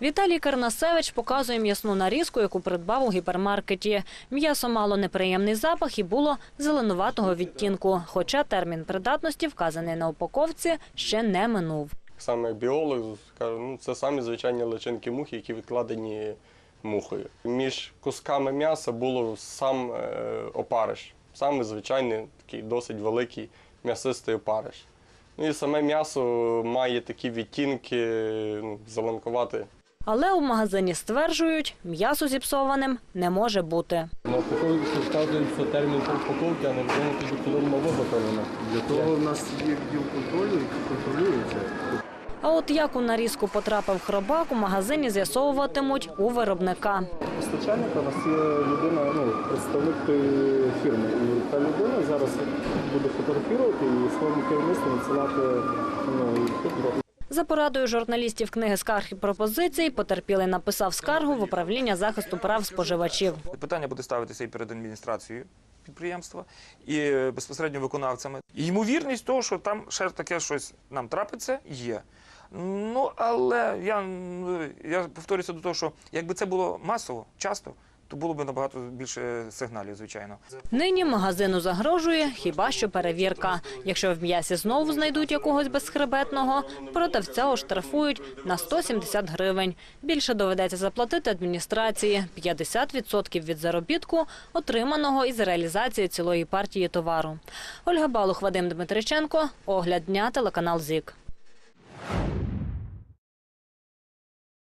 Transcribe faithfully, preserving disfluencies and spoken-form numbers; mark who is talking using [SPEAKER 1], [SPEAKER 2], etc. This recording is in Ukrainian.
[SPEAKER 1] Віталій Карнасевич показує м'ясну нарізку, яку придбав у гіпермаркеті. М'ясо мало неприємний запах і було зеленуватого відтінку, хоча термін придатності, вказаний на упаковці, ще не минув.
[SPEAKER 2] Саме як біолог кажу, ну, це самі звичайні личинки мухи, які відкладені мухою. Між кусками м'яса було сам е, опариш, саме звичайний, такий досить великий м'ясистий опариш. Ну і саме м'ясо має такі відтінки, ну, зеленкувати.
[SPEAKER 1] Але у магазині стверджують, м'ясо зіпсованим не може бути.
[SPEAKER 2] На упаковці вказують, що термін упаковки, а не відомо тоді, коли воно виготовлено.
[SPEAKER 3] Для того в нас є відділ контролю, який контролює це.
[SPEAKER 1] А от як у нарізку потрапив хробак, у магазині з'ясовуватимуть у виробника.
[SPEAKER 3] Постачальник у нас є людина, ну, представник тої фірми. І та людина зараз буде фотографувати і своєму керівництву надсилати, ну, фото.
[SPEAKER 1] За порадою журналістів книги «Скарг і пропозицій» потерпілий написав скаргу в управління захисту прав споживачів.
[SPEAKER 4] Питання буде ставитися і перед адміністрацією підприємства, і безпосередньо виконавцями. І ймовірність того, що там ще таке щось нам трапиться, є. Ну, але я, я повторюся до того, що якби це було масово, часто, то було б набагато більше сигналів, звичайно.
[SPEAKER 1] Нині магазину загрожує хіба що перевірка. Якщо в м'ясі знову знайдуть якогось безхребетного, продавця оштрафують на сто сімдесят гривень. Більше доведеться заплатити адміністрації – п'ятдесят відсотків від заробітку, отриманого із реалізації цілої партії товару. Ольга Балух, Вадим Дмитриченко. Огляд дня, телеканал ЗІК.